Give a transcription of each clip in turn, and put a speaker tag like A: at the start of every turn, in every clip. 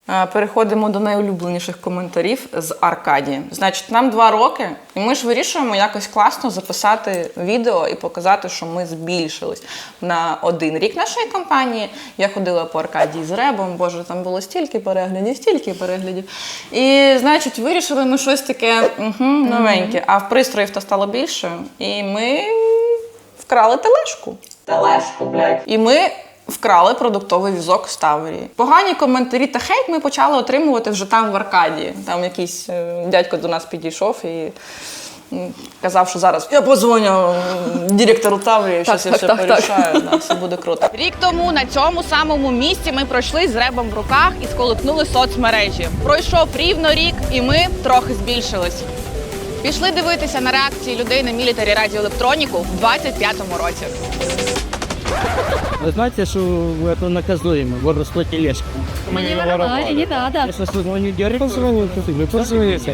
A: Переходимо до найулюбленіших коментарів з Аркадії. Значить, нам 2 роки, і ми ж вирішуємо якось класно записати відео і показати, що ми збільшились. На 1 рік нашої кампанії я ходила по Аркадії з Ребом, боже, там було стільки переглядів. І, значить, вирішили ми щось таке новеньке. А в пристроїв-то стало більше, і ми вкрали тележку. Блядь. І ми вкрали продуктовий візок з Таврії. Погані коментарі та хейт ми почали отримувати вже там в Аркадії. Там якийсь дядько до нас підійшов і казав, що зараз я подзвоню директору Таврії, щось я все порішаю, все буде круто.
B: Рік тому на цьому самому місці ми пройшли з Ребом в руках і сколихнули соцмережі. Пройшов рівно рік, і ми трохи збільшились. Пішли дивитися на реакції людей на мілітарі радіоелектроніку в 25-му році.
C: Вы знаете, что это наказуемо, воровство тележки?
D: Мне воровали, не надо.
C: Если позвоню директору, вы позвоните.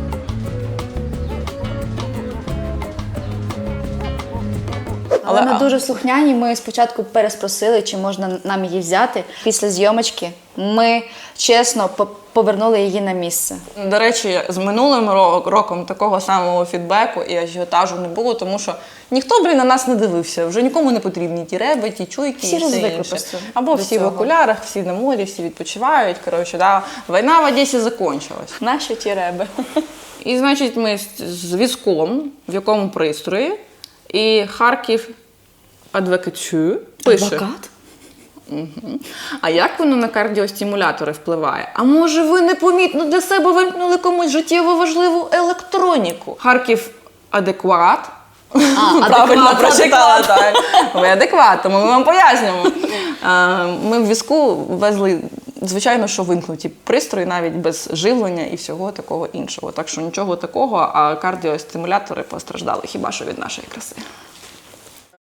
E: Але ми дуже слухняні, ми спочатку переспросили, чи можна нам її взяти. Після зйомочки ми чесно повернули її на місце.
A: До речі, з минулим роком такого самого фідбеку і ажіотажу не було, тому що ніхто, на нас не дивився. Вже нікому не потрібні ті реби, ті чуйки
E: Всі
A: і все
E: розвикли
A: інше.
E: просто
A: Або
E: до
A: всі в
E: цього.
A: окулярах, всі на морі, всі відпочивають. Коротше, да. Війна в Одесі закінчилась.
E: Наші ті реби.
A: І, значить, ми з візком, в якому пристрої, і Харків Адвокатю пише.
E: Адвокат?
A: А як воно на кардіостимулятори впливає? А може ви непомітно для себе вимкнули комусь життєво важливу електроніку? Харків адекват. Правильно прочитала, так. Ви адекват, тому ми вам пояснюємо. Ми в візку везли, звичайно, що вимкнуті пристрої навіть без живлення і всього такого іншого. Так що нічого такого, а кардіостимулятори постраждали хіба що від нашої краси.